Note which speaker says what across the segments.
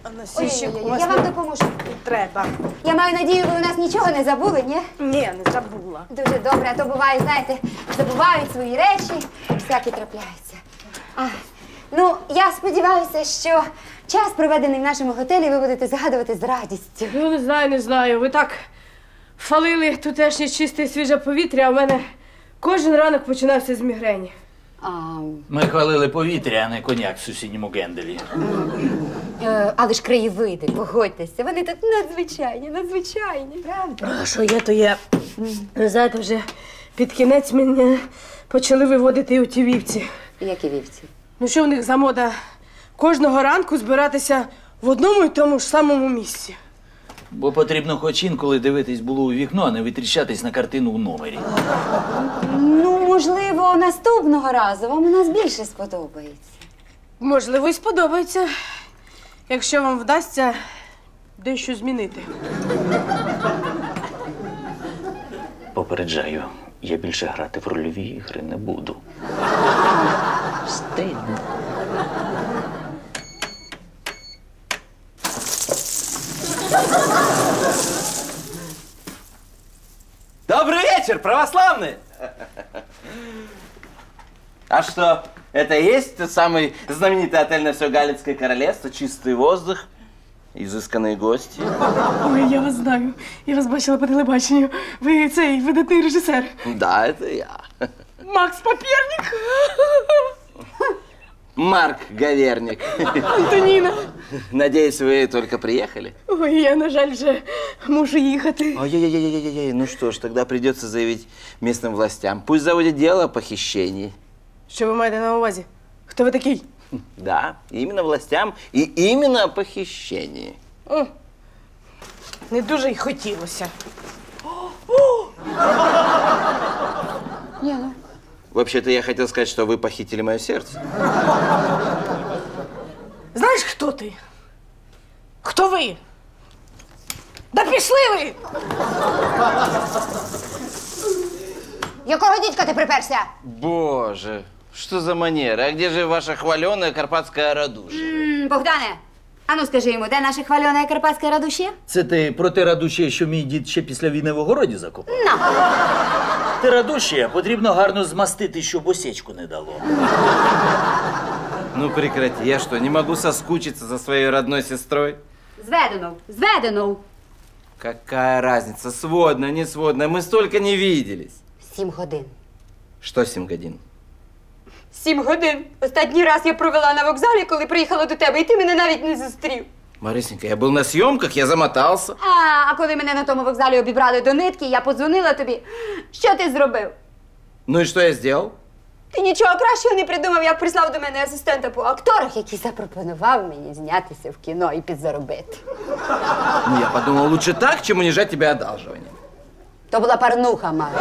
Speaker 1: Ой, я вам допоможу.
Speaker 2: Треба.
Speaker 1: Я маю надію, ви у нас нічого не забули, ні?
Speaker 2: Ні, не забула.
Speaker 1: Дуже добре, а то буває, знаєте, забувають свої речі, всякі трапляються. Ну, я сподіваюся, що час, проведений в нашому готелі, ви будете згадувати з радістю.
Speaker 2: Ну, не знаю. Ви так фалили тутешнє чисте і свіже повітря, а в мене кожен ранок починався з мігрені.
Speaker 3: Ми хвалили повітря, а не коньяк в сусідньому генделі.
Speaker 1: Але ж краєвиди, погодьтеся, вони так надзвичайні, правда?
Speaker 2: А що є, то є. Знаєте, вже під кінець мене почали виводити у ті вівці.
Speaker 1: Які вівці?
Speaker 2: Ну що в них за мода? Кожного ранку збиратися в одному і тому ж самому місці.
Speaker 3: Бо потрібно хоч інколи дивитись було у вікно, а не витріщатись на картину в номері.
Speaker 1: Ну, можливо, наступного разу вам у нас більше сподобається.
Speaker 2: Можливо, і сподобається, якщо вам вдасться дещо змінити.
Speaker 3: Попереджаю, я більше грати в рольові ігри не буду. Стидно.
Speaker 4: Добрый вечер, православные! А что, это и есть тот самый знаменитый отель на все Галицкое королевство? Чистый воздух, изысканные гости?
Speaker 2: Ой, я вас знаю. Я вас бачила по телебаченню. Ви цей видатний режисер.
Speaker 4: Да, это я.
Speaker 2: Макс Папірник.
Speaker 4: Марк Гаверник.
Speaker 2: Антоніна.
Speaker 4: Надеюсь, вы только приехали?
Speaker 2: Ой, я, на жаль, вже мушу їхати.
Speaker 4: Ой-ой-ой-ой-ой, ну что ж, тогда придется заявить местным властям. Пусть заводят дело о похищении.
Speaker 2: Що ви маєте на увазі? Хто ви такий?
Speaker 4: Да, именно властям и именно о похищении.
Speaker 2: Не дуже й хотілося.
Speaker 4: Вообще-то я хотел сказать, что вы похитили мое сердце.
Speaker 2: Знаєш, хто ти? Хто ви? Да пішли ви!
Speaker 1: Якого дідька ти приперся?
Speaker 4: Боже, что за манера? А где же ваша хваленая карпатская радушие?
Speaker 1: Богдане, ану скажи йому, де наша хвальона карпатська радушія?
Speaker 3: Це ти про те радушє, що мій дід ще після війни в огороді закопав? Те радушє потрібно гарно змастити, щоб осечку не дало.
Speaker 4: Ну прекрати, я что, не могу соскучиться за своей родной сестрой?
Speaker 1: Зведено.
Speaker 4: Какая разница, сводная, не сводная, мы столько не виделись.
Speaker 1: 7 годин.
Speaker 4: Что 7 годин?
Speaker 1: 7 годин. Останній раз я провела на вокзалі, коли приїхала до тебе, і ти мене навіть не зустрів.
Speaker 4: Марисенька, я был на съемках, я замотался.
Speaker 1: А коли мене на тому вокзалі обібрали до нитки, я подзвонила тобі. Що ти зробив?
Speaker 4: Ну и что я сделал?
Speaker 1: Ти нічого кращого не придумав, як прислав до мене асистента по акторах, який запропонував мені знятися в кіно і підзаробити.
Speaker 4: Ну, я подумал, лучше так, чем унижать тебя одалживанием.
Speaker 1: То була парнуха, Марк.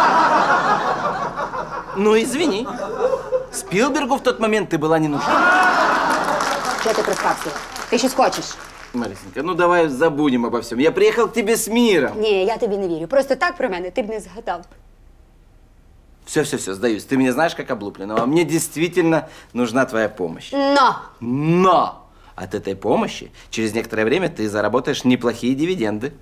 Speaker 4: Ну, извини. Спилбергу в тот момент ты была не нужна.
Speaker 1: Що ти приспався? Ти щось хочеш?
Speaker 4: Марисенька, ну давай забудем обо всем. Я приехал к тебе с миром.
Speaker 1: Ні, я тобі не вірю. Просто так про мене ти б не згадав.
Speaker 4: Все, сдаюсь. Ты меня знаешь как облупленного. А мне действительно нужна твоя помощь. Но от этой помощи через некоторое время ты заработаешь неплохие дивиденды.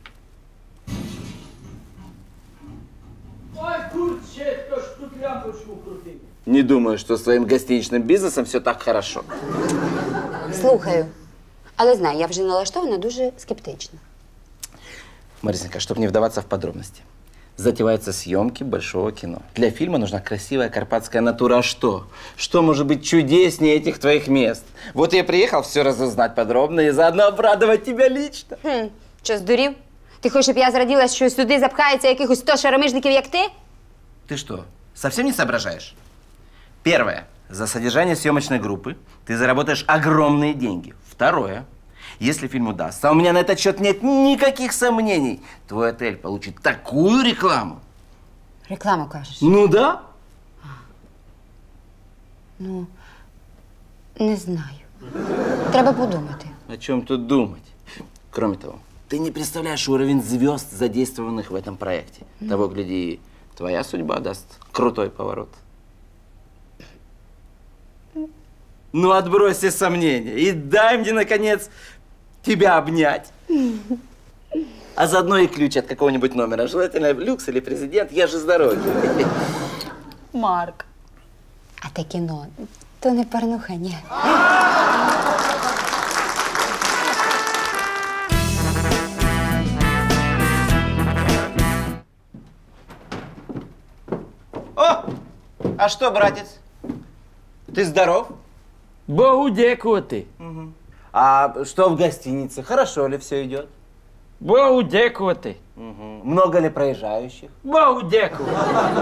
Speaker 4: Не думаю, что с твоим гостиничным бизнесом все так хорошо.
Speaker 1: Слухаю. Але знай, я вже налаштована дуже скептично.
Speaker 4: Марисенька, чтобы не вдаваться в подробности. Затеваются съемки большого кино. Для фильма нужна красивая карпатская натура. А что? Что может быть чудеснее этих твоих мест? Вот я приехал все разузнать подробно и заодно обрадовать тебя лично.
Speaker 1: Що, здурів? Ти хочеш, щоб я зраділа, що сюди запхається якихось 100 шаромижників, як ти?
Speaker 4: Ты что, совсем не соображаешь? Первое. За содержание съемочной группы ты заработаешь огромные деньги. Второе. Если фильм удастся, а у меня на этот счет нет никаких сомнений, твой отель получит такую рекламу.
Speaker 1: Рекламу кажеш?
Speaker 4: Ну да.
Speaker 1: Ну, не знаю. Треба подумати.
Speaker 4: О чем тут думать? Кроме того, ты не представляешь уровень звезд, задействованных в этом проекте. Того, гляди, твоя судьба даст крутой поворот. Ну, отбрось все сомнения и дай мне, наконец, тебя обнять. А заодно и ключ от какого-нибудь номера. Желательно люкс или президент. Я же с дороги.
Speaker 5: Марк.
Speaker 1: А те кіно, то не порнуха, ні.
Speaker 4: О! А что, братец? Ты здоров?
Speaker 3: Богу дякувати.
Speaker 4: А что в гостинице? Хорошо ли все идет?
Speaker 3: Богу дякувати.
Speaker 4: Много ли проезжающих?
Speaker 3: Богу дякувати.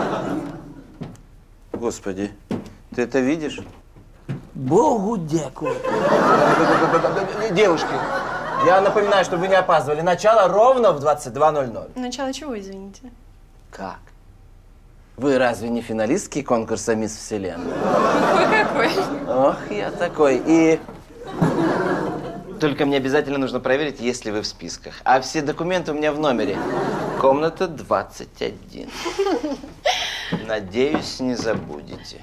Speaker 4: Господи, ты это видишь?
Speaker 3: Богу дякувати.
Speaker 4: Девушки, я напоминаю, чтобы вы не опаздывали. Начало ровно в 22:00.
Speaker 5: Начало чего, извините?
Speaker 4: Как? Вы разве не финалистки конкурса «Мисс Вселенная»?
Speaker 5: Какой какой?
Speaker 4: Ох, я такой. И только мне обязательно нужно проверить, есть ли вы в списках. А все документы у меня в номере. Комната 21. Надеюсь, не забудете.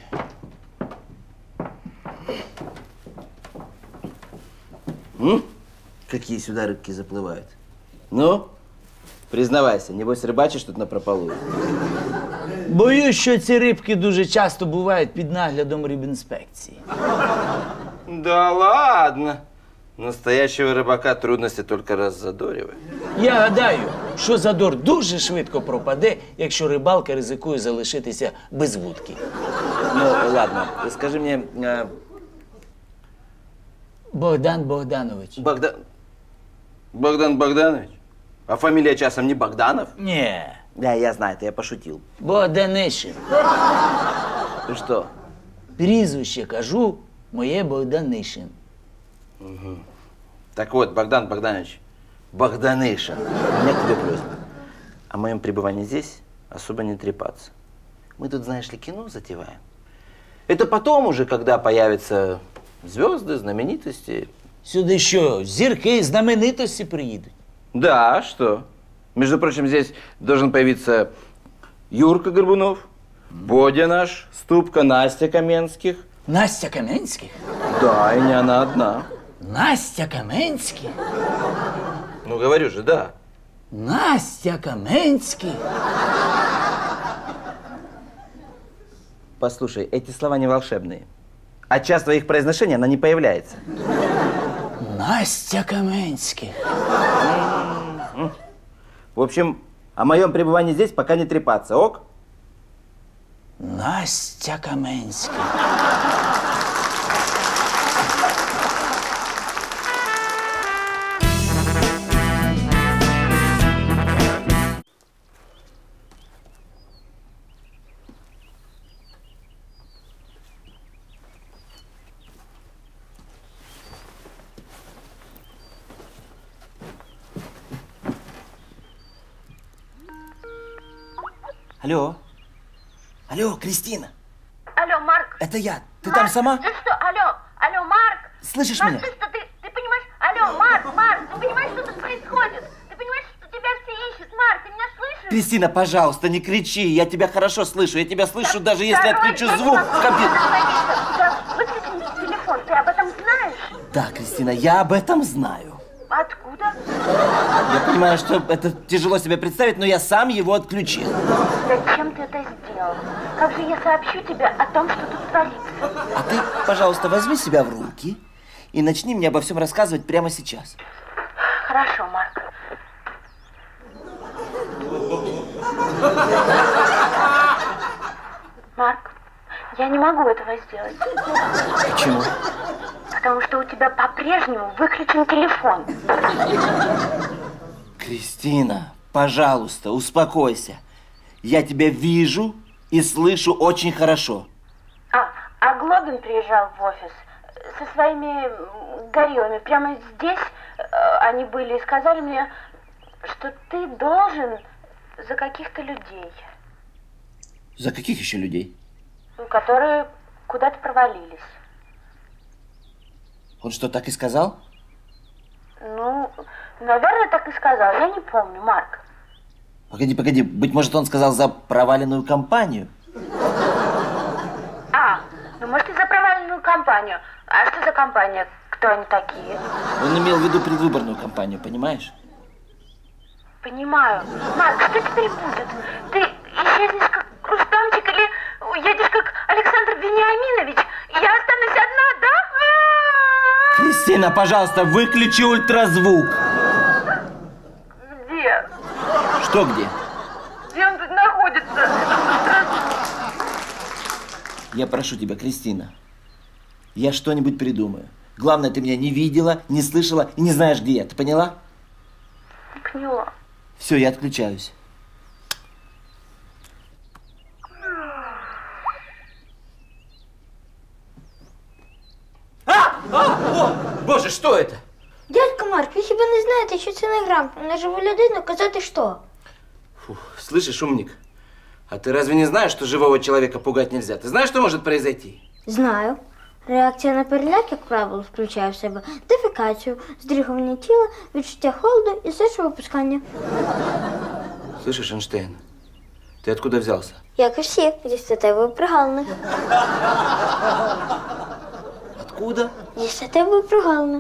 Speaker 4: Какие сюда рыбки заплывают? Ну, признавайся, небось рыбачишь тут напропалую.
Speaker 3: Боюсь, що ці рибки дуже часто бувають під наглядом рибінспекції.
Speaker 4: Да ладно. Настоящего рыбака трудности только раззадоривают.
Speaker 3: Я гадаю, що задор дуже швидко пропаде, якщо рибалка ризикує залишитися без вудки.
Speaker 4: Ну, ладно, скажи мне,
Speaker 3: Богдан Богданович.
Speaker 4: Богдан Богданович? А фамилия часом не Богданов?
Speaker 3: Ні,
Speaker 4: Да, я знаю, это я пошутил.
Speaker 3: Богданишин.
Speaker 4: Ты что?
Speaker 3: Прізвище кажу, моє Богданишин.
Speaker 4: Так вот, Богдан Богданович, Богданышин, у меня к тебе просьба. О моем пребывании здесь особо не трепаться. Мы тут, знаешь ли, кино затеваем. Это потом уже, когда появятся звезды, знаменитости.
Speaker 3: Сюди що, зірки, знаменитості приїдуть?
Speaker 4: Да, что? Между прочим, здесь должен появиться Юрка Горбунов, Бодя наш, Ступка, Настя Каменских.
Speaker 3: Настя Каменських?
Speaker 4: Да, и не она одна.
Speaker 3: Настя Каменських?
Speaker 4: Ну, говорю же, да.
Speaker 3: Настя Каменських?
Speaker 4: Послушай, эти слова не волшебные. От частого их произношения она не появляется.
Speaker 3: Настя Каменських.
Speaker 4: В общем, о моем пребывании здесь пока не трепаться, ок?
Speaker 3: Настя Каменських.
Speaker 4: Алло. Алло, Кристина.
Speaker 6: Алло, Марк.
Speaker 4: Это я. Ты
Speaker 6: Марк,
Speaker 4: там сама?
Speaker 6: Ты что? Алло, Марк.
Speaker 4: Слышишь
Speaker 6: Марк,
Speaker 4: меня?
Speaker 6: ты что, ты понимаешь? Алло, Марк, ты понимаешь, что тут происходит? Ты понимаешь, что тебя все ищут? Марк, ты меня слышишь?
Speaker 4: Кристина, пожалуйста, не кричи. Я тебя хорошо слышу. Я тебя слышу, даже если
Speaker 6: Второй,
Speaker 4: отключу
Speaker 6: я не
Speaker 4: звук
Speaker 6: могу
Speaker 4: в компьютере.
Speaker 6: остановиться. Да, выключи телефон, ты об этом знаешь?
Speaker 4: Да, Кристина, я об этом знаю.
Speaker 6: Откуда?
Speaker 4: Я понимаю, что это тяжело себе представить, но я сам его отключил.
Speaker 6: Зачем ты это сделал? Как же я сообщу тебе о том, что тут творится?
Speaker 4: А ты, пожалуйста, возьми себя в руки и начни мне обо всем рассказывать прямо сейчас.
Speaker 6: Хорошо, Марк. Марк, я не могу этого сделать.
Speaker 4: Почему?
Speaker 6: Потому что у тебя по-прежнему выключен телефон.
Speaker 4: Кристина, пожалуйста, успокойся. Я тебя вижу и слышу очень хорошо.
Speaker 6: А Глобин приезжал в офис со своими гориллами. Прямо здесь они были и сказали мне, что ты должен за каких-то людей.
Speaker 4: За каких еще людей?
Speaker 6: Которые куда-то провалились.
Speaker 4: Он что, так и сказал?
Speaker 6: Ну, наверное, так и сказал. Я не помню, Марк.
Speaker 4: Погоди. Быть может, он сказал за проваленную компанию?
Speaker 6: Ну, может, и за проваленную компанию. А что за компания? Кто кто они такие?
Speaker 4: Он имел в виду предвыборную кампанию, понимаешь?
Speaker 6: Понимаю. Марк, что теперь будет? Ты исчезнешь как Рустамчик или уедешь как Александр Вениаминович? И я останусь одна, да?
Speaker 4: Кристина, пожалуйста, выключи ультразвук.
Speaker 6: Где?
Speaker 4: Что где?
Speaker 6: Где он тут находится?
Speaker 4: Я прошу тебя, Кристина, я что-нибудь придумаю. Главное, ты меня не видела, не слышала и не знаешь, где я. Ты поняла?
Speaker 6: Поняла.
Speaker 4: Все, я отключаюсь. О, Боже, что это?
Speaker 7: Дядько Марк, ви хіба не знаєте, що це не грамотно на живу людину казати що?
Speaker 4: Фу, слышишь, умник, а ты разве не знаешь, что живого человека пугать нельзя? Ты знаешь, что может произойти?
Speaker 7: Знаю. Реакція на переляк, як правило, включає в себе дефекацію, здригування тіла, відчуття холоду і сечовипускання.
Speaker 4: Слышишь, Эйнштейн, ты откуда взялся?
Speaker 7: Як і всі, зі статевої прогалини.
Speaker 4: Откуда?
Speaker 7: Зі статевої прогалини.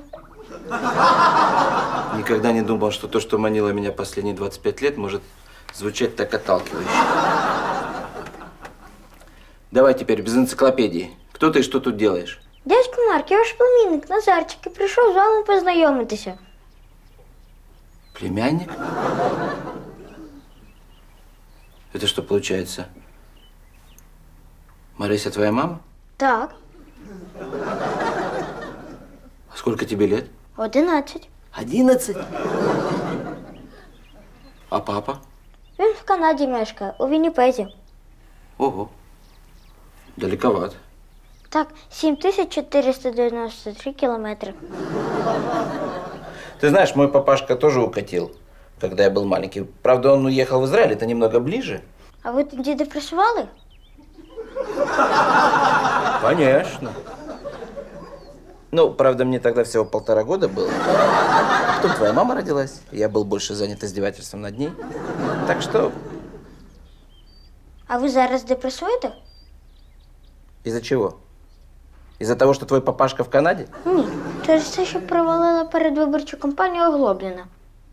Speaker 4: Никогда не думал, что то, что манило меня последние 25 лет, может звучать так отталкивающе. Давай теперь без энциклопедии. Кто ты и что тут делаешь?
Speaker 7: Дядько Марк, я ваш племінник Назарчик і прийшов з вами познайомитися.
Speaker 4: Племянник? Это что получается? Марися твоя мама?
Speaker 7: Так,
Speaker 4: А сколько тебе лет?
Speaker 7: 11.
Speaker 4: 11? А папа?
Speaker 7: Він в Канаді мешкає, у Вінніпезі.
Speaker 4: Ого. Далековато.
Speaker 7: Так, 7493 кілометри.
Speaker 4: Ты знаешь, мой папашка тоже укатил, когда я был маленький. Правда, он уехал в Израиль, это немного ближе.
Speaker 7: А ви тоді депресували?
Speaker 4: Конечно. Ну, правда, мне тогда всего 1,5 года было. А потом твоя мама родилась, и я был больше занят издевательством над ней. Так что,
Speaker 7: А ви зараз депресуєте?
Speaker 4: из-за чего? Из-за того, что твой папашка в Канаде?
Speaker 7: Ні, через те, що провалила передвиборчу кампанію Оглобліна.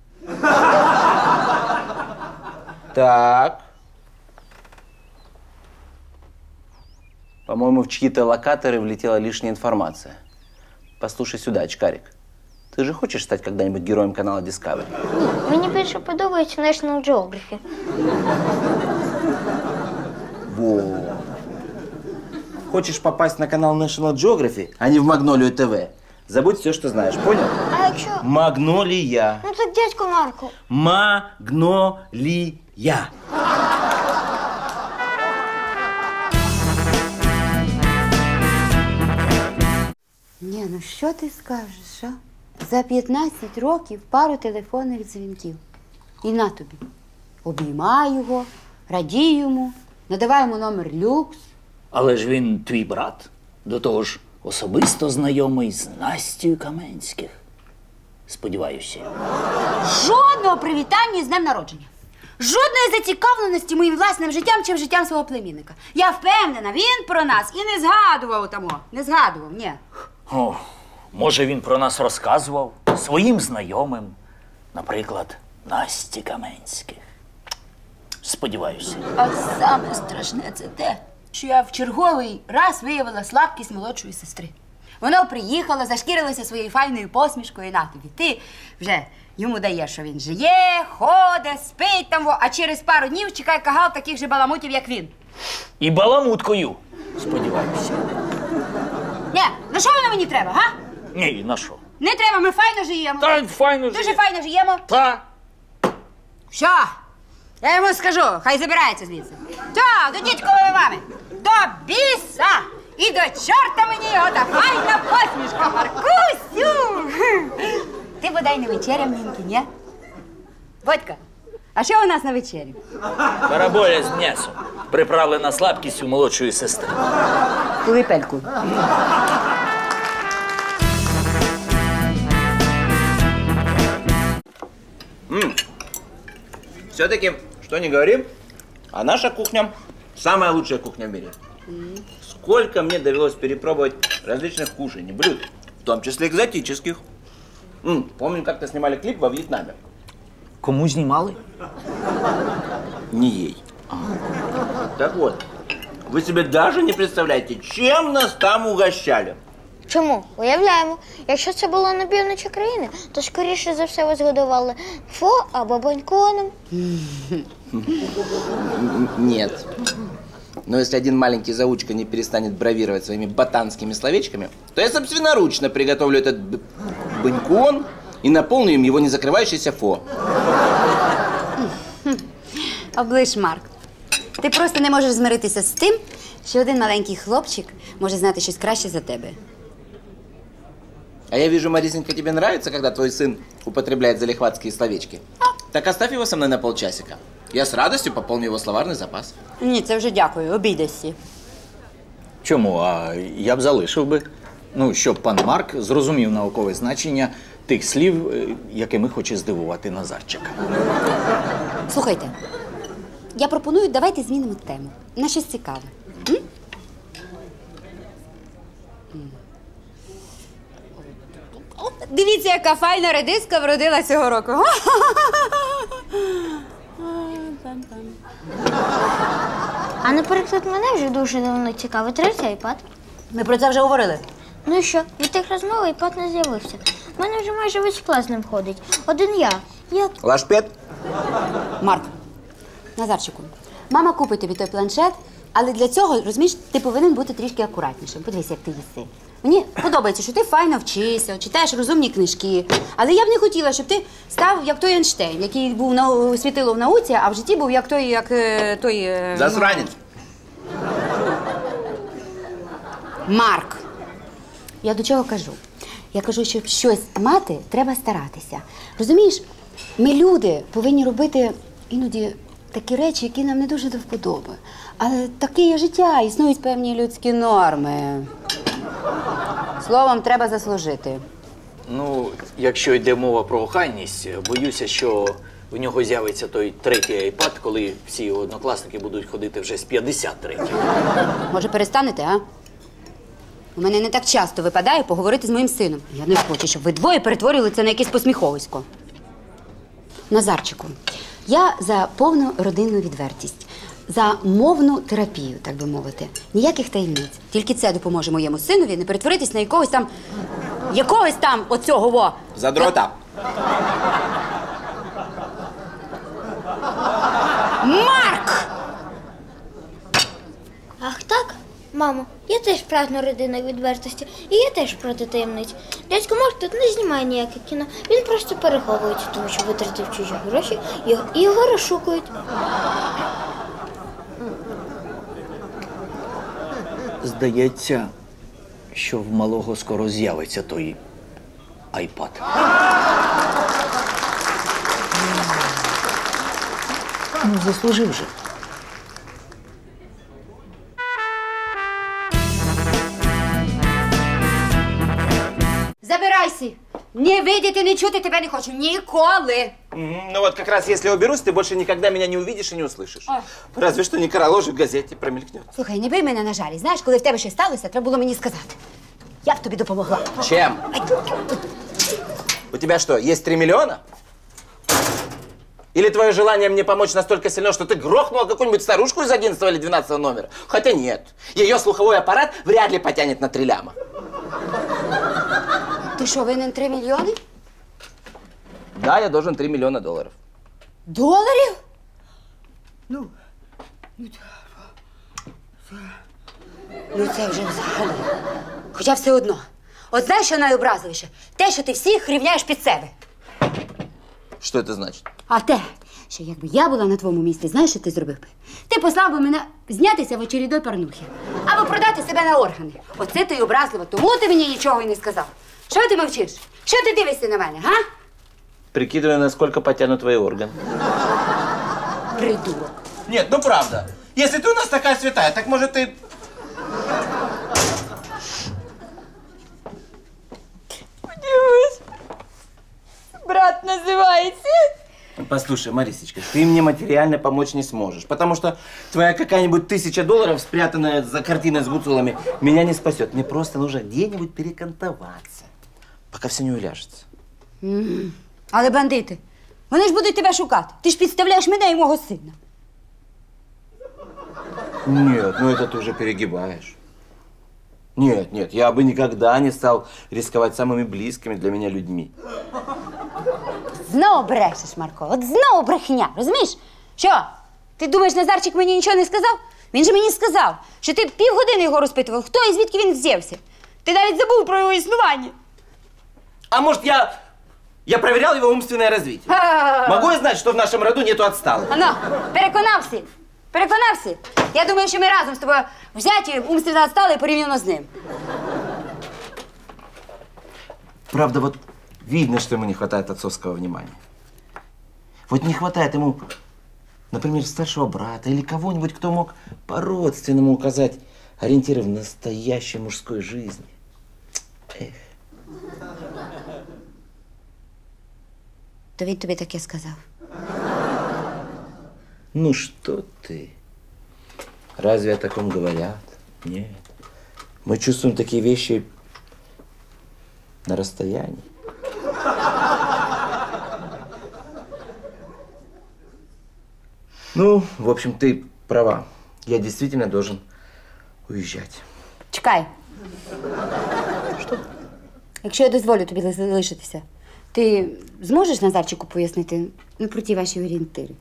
Speaker 4: Так. По-моему, в чьи-то локаторы влетела лишняя информация. Послушай сюда, очкарик. Ты же хочешь стать когда-нибудь героем канала Discovery?
Speaker 7: Ні, мені більше подобається National Geography.
Speaker 4: Во. Хочешь попасть на канал National Geography, а не в Магнолию ТВ? Забудь все, что знаешь, понял?
Speaker 7: А якщо...
Speaker 4: Магнолия.
Speaker 7: Ну так, дядько Марку.
Speaker 4: Магнолия.
Speaker 1: Ні, ну що ти скажеш, а? За 15 років пару телефонних дзвінків. І на тобі. Обіймай його, радій йому, надавай йому номер люкс.
Speaker 3: Але ж він твій брат. До того ж, особисто знайомий з Настею Каменських. Сподіваюся.
Speaker 1: Жодного привітання з днем народження. Жодної зацікавленості моїм власним життям чи життям свого племінника. Я впевнена, він про нас і не згадував тому. Не згадував, ні.
Speaker 3: О, може, він про нас розказував своїм знайомим. Наприклад, Насті Каменських. Сподіваюся.
Speaker 1: А саме страшне це те, що я в черговий раз виявила слабкість молодшої сестри. Вона приїхала, зашкірилася своєю файною посмішкою, і на тобі. Ти вже йому даєш, що він жиє, ходить, спить там, а через пару днів чекає кагал таких же баламутів, як він.
Speaker 3: І баламуткою. Сподіваюся.
Speaker 1: Ні, на що воно мені треба, га?
Speaker 3: Ні, на що?
Speaker 1: Не треба, ми файно живемо.
Speaker 3: Та файно
Speaker 1: Дуже
Speaker 3: живе.
Speaker 1: файно живемо.
Speaker 3: Та.
Speaker 1: Що? Я йому скажу, хай забирається звідси. Та, до дідькової мами. До біса! І до чорта мені його та файна посмішка, Маркусю! Ти бодай не вечеряв, Нінки, ні? Бодька, а що у нас на вечерю?
Speaker 3: Караболя з м'ясом, приправлена слабкістю молодшої сестри.
Speaker 1: Кулипельку.
Speaker 4: Все-таки, что не говорим, а наша кухня самая лучшая кухня в мире. Сколько мне довелось перепробовать различных кушаний, блюд. В том числе экзотических. Помню, как-то снимали клип во Вьетнаме.
Speaker 3: Кому знімали?
Speaker 4: Не ей. Так вот, вы себе даже не представляете, чем нас там угощали.
Speaker 7: Чому? Уявляємо. Якщо це було на півночі країни, то скоріше за все вас годували фо або баньконом.
Speaker 4: Нет. Но если один маленький заучка не перестанет бравировать своими ботанскими словечками, то я собственноручно приготовлю этот банькон и наполню им его не закрывающийся фо.
Speaker 1: Оближ, Марк. Ти просто не можеш змиритися з тим, що один маленький хлопчик може знати щось краще за тебе.
Speaker 4: А я вижу, Марисенька, тебе нравится, когда твой сын употребляет залихватские словечки? Так оставь его со мной на полчасика. Я с радостью пополню его словарный запас.
Speaker 1: Ні, це вже дякую, обійдешся.
Speaker 3: Чому? А я б залишив би. Ну, щоб пан Марк зрозумів наукове значення тих слів, якими хоче здивувати Назарчика.
Speaker 1: Слухайте, я пропоную, давайте змінимо тему на щось цікаве. Дивіться, яка файна редиска вродила цього року.
Speaker 7: А, наприклад, мене вже дуже давно цікавить третій айпад.
Speaker 1: Ми про це вже говорили.
Speaker 7: Ну і що, від тих розмов айпад не з'явився. У мене вже майже весь клас з ним ходить. Один я.
Speaker 4: Лашпет?
Speaker 1: Марк, Назарчику, мама купить тобі той планшет, але для цього, розумієш, ти повинен бути трішки акуратнішим. Подивись, як ти їси. Мені подобається, що ти файно вчишся, читаєш розумні книжки. Але я б не хотіла, щоб ти став як той Ейнштейн, який був світило в науці, а в житті був як той...
Speaker 4: Засранец.
Speaker 1: Марк, я до чого кажу? Я кажу, щоб щось мати, треба старатися. Розумієш, ми, люди, повинні робити іноді такі речі, які нам не дуже до вподоби. Але таке є життя, існують певні людські норми. Словом, треба заслужити.
Speaker 3: Ну, якщо йде мова про охайність, боюся, що в нього з'явиться той третій айпад, коли всі його однокласники будуть ходити вже з 53-м.
Speaker 1: Може, перестанете, а? У мене не так часто випадає поговорити з моїм сином. Я не хочу, щоб ви двоє перетворювали це на якесь посміховисько. Назарчику, я за повну родинну відвертість, за мовну терапію, так би мовити. Ніяких таємниць. Тільки це допоможе моєму синові не перетворитись на якогось там оцього во.
Speaker 4: Задрота.
Speaker 1: Марк!
Speaker 7: Ах так? Мамо, я теж прагну родинної відвертості, і я теж проти таємниць. Дядько Марк тут не знімає ніяке кіно, він просто переховується, тому що витратив чужі гроші і його розшукують.
Speaker 3: Здається, що в малого скоро з'явиться той айпад. Ну, заслужив же.
Speaker 1: Забирайся! Не видіти, не чути тебе не хочу. Ніколи!
Speaker 4: Ну вот как раз если уберусь, ты больше никогда меня не увидишь и не услышишь. Разве что некроложек в газете промелькнет.
Speaker 1: Слухай, не бий мене на жалі. Знаєш, коли в тебе щось сталося, треба було мені сказати. Я б тобі допомогла.
Speaker 4: Чем? У тебя что, есть 3 миллиона? Или твое желание мне помочь настолько сильно, что ты грохнула какую-нибудь старушку из 11 или 12 номера? Хотя нет. Ее слуховой аппарат вряд ли потянет на 3 ляма.
Speaker 1: Ти що, винен 3 мільйони?
Speaker 4: Да, я должен 3 миллиона долларов.
Speaker 1: Доларів? Ну, це вже взагалі. Хоча все одно. От знаєш, що найобразливіше? Те, що ти всіх рівняєш під себе.
Speaker 4: Что это значит?
Speaker 1: А те, що якби я була на твоєму місці, знаєш, що ти зробив би? Ти послав би мене знятися в очередной порнухи. Або продати себе на органи. Оце ти й образливо, тому ти мені нічого й не сказав. Що ти мовчиш? Що ти дивишся на мене, га?
Speaker 4: Прикидываю, насколько потянут твои органы.
Speaker 1: Придурок.
Speaker 4: Нет, ну правда. Если ты у нас такая святая, так может ты...
Speaker 1: Брат називається.
Speaker 4: Послушай, Марисечка, ты мне материально помочь не сможешь, потому что твоя какая-нибудь $1000, спрятанная за картиной с гуцулами, меня не спасет. Мне просто нужно где-нибудь перекантоваться, пока все не уляжется.
Speaker 1: Але бандити, вони ж будуть тебе шукати. Ти ж підставляєш мене і мого сина.
Speaker 4: Нет, ну это ты уже перегибаешь. Нет, нет, я бы никогда не стал рисковать самыми близкими для меня людьми.
Speaker 1: Знову брешеш, Марко, от знову брехня, розумієш? Що, ти думаєш, Назарчик мені нічого не сказав? Він же мені сказав, що ти півгодини його розпитував, хто і звідки він взявся. Ти навіть забув про його існування.
Speaker 4: А может, я проверял его умственное развитие? Могу я знать, что в нашем роду нету отсталых?
Speaker 1: Ано, переконався? Переконався? Я думаю, що ми разом з тобою взяті, умственно відстали порівняно з ним.
Speaker 4: Правда, вот видно, что ему не хватает отцовского внимания. Вот не хватает ему, например, старшего брата или кого-нибудь, кто мог по-родственному указать ориентиры в настоящей мужской жизни. Эх.
Speaker 1: То він тобі таке сказав.
Speaker 4: Ну что ты? Разве о таком говорят? Нет. Мы чувствуем такие вещи на расстоянии. Ну, в общем, ты права. Я действительно должен уезжать.
Speaker 1: Чекай. Що? Якщо я дозволю тобі залишитися, ти зможеш Назарчику пояснити про ті ваші орієнтири?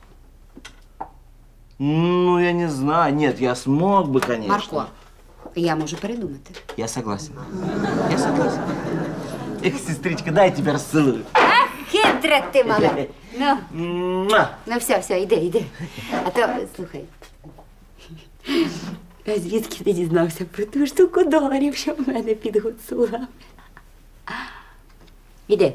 Speaker 4: Ну, я не знаю. Нет, я смог бы, конечно.
Speaker 1: Марко, я можу передумати.
Speaker 4: Я согласен. Я согласен. Эх, сестричка, дай я тебя расцелую.
Speaker 1: Ах, хитре ти, мале. Ну,
Speaker 4: Муа.
Speaker 1: ну все, іди. А то, слухай, а звідки ти дізнався про ту штуку доларів, що в мене під гуцулами? Іди.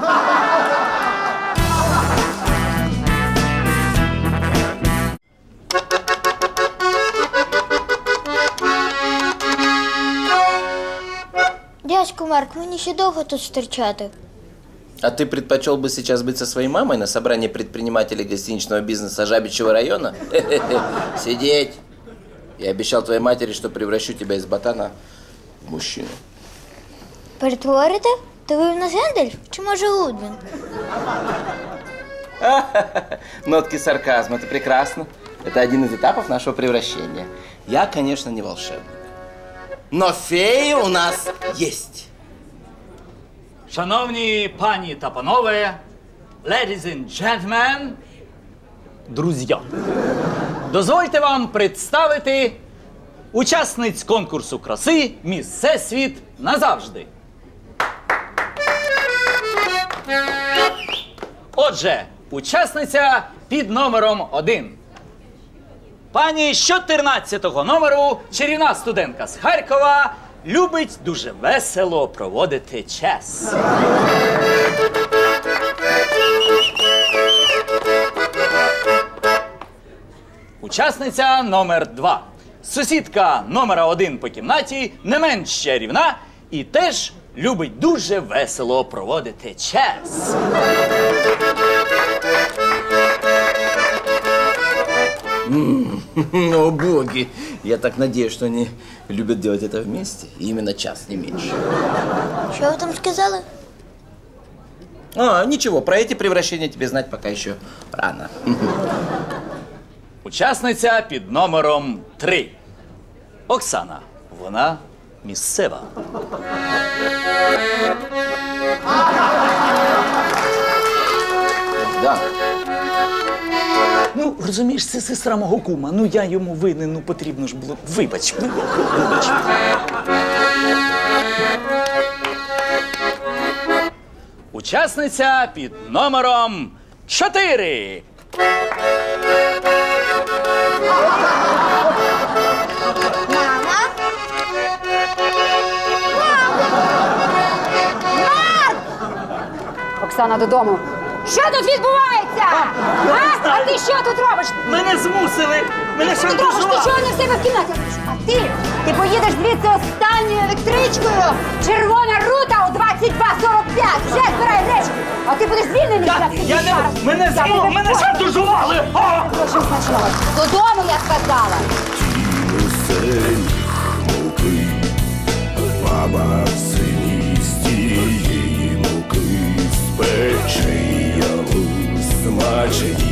Speaker 7: Дядько Марк, мені ще довго тут стерчати.
Speaker 4: А ты предпочел бы сейчас быть со своей мамой на собрании предпринимателей гостиничного бизнеса Жабичьего района? Сидеть! Я обещал твоей матери, что превращу тебя из ботана в мужчину.
Speaker 7: Перетворите? То ви в нас Гендальф? Чи може Гудвін?
Speaker 4: Нотки сарказма, это прекрасно. Это один из этапов нашего превращения. Я, конечно, не волшебник. Но феи у нас есть.
Speaker 8: Шановні пані та панове, ladies and gentlemen, друзі, дозвольте вам представити учасниць конкурсу краси «Міс Всесвіт назавжди». Отже, учасниця під номером 1. Пані з 14-го номеру, чарівна студентка з Харкова, любить дуже весело проводити час. Учасниця номер 2. Сусідка номера 1 по кімнаті, не менш чарівна і теж любить дуже весело проводити час.
Speaker 4: О, боги! Я так надеюсь, что они любят делать это вместе. И именно час, не меньше.
Speaker 7: Що ви там сказали?
Speaker 4: А, ничего, про эти превращения тебе знать пока еще рано.
Speaker 8: Учасниця під номером 3. Оксана. Вона місцева.
Speaker 4: Да.
Speaker 8: Ну, розумієш, це сестра мого кума. Ну, я йому винен, ну, потрібно ж було. Вибач. Учасниця під номером 4.
Speaker 1: Оксана, додому. Що тут відбувається? А ти що тут робиш?
Speaker 8: Мене змусили! Мене
Speaker 1: Що ти робиш? Ти чого не в себе в кімнаті? А ти поїдеш звідси останньою електричкою. Червона рута у 22:45. Вже збирай речі. А ти будеш звільнений зараз.
Speaker 8: Мене шантажували!
Speaker 1: Гроші смачного. Додому, я сказала.
Speaker 9: Баба в синісті її муки, спече ялу смачені.